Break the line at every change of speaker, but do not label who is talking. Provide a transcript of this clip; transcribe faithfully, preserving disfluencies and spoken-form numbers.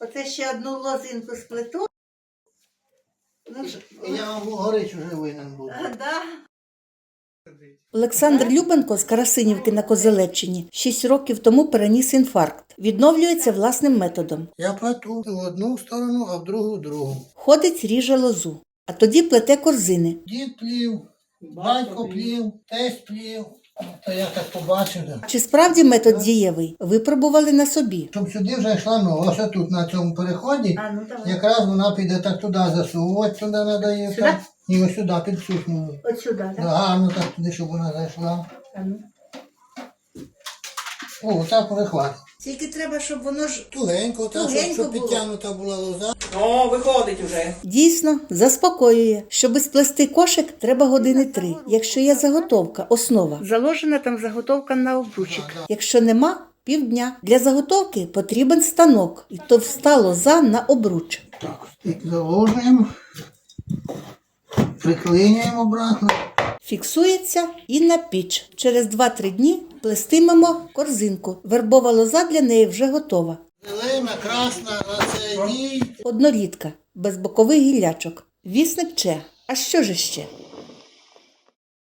Оце ще одну лозинку сплету. Ну,
Я вам горич вже винен був.
а, да.
Олександр Любенко з Карасинівки на Козелеччині шість років тому переніс інфаркт. Відновлюється власним методом.
Я плету в одну сторону, а в другу в другу.
Ходить, ріже лозу, а тоді плете корзини.
Дід плів, батько плів, тесть плів. То я так побачив. Да.
Чи справді метод дієвий? Випробували на собі.
Щоб сюди вже йшла нога, ось тут на цьому переході,
А, ну давай.
якраз вона піде так туди засовувати, туди треба її.
Сюди?
Так. І ось сюди під сухню.
От сюди, так?
Да, гарно так туди, щоб вона зайшла.
А, ну.
О, так перехват.
Тільки треба, щоб воно ж
Тугенько, так, щоб,
Тугенько
щоб
було.
підтягнута була лоза.
О, виходить уже.
Дійсно, заспокоює. Щоби сплести кошик, треба години три. Якщо є заготовка, основа. Заложена там заготовка на обручик. Якщо нема, півдня. Для заготовки потрібен станок і товста лоза на обруч.
Так, стик заложуємо, приклинюємо обратно.
Фіксується і на піч. Через два-три дні плестимемо корзинку. Вербова лоза для неї вже готова.
Зелена, красна, на цей ній.
Однорідка, без бокових гіллячок. Вісник че. А що ж ще?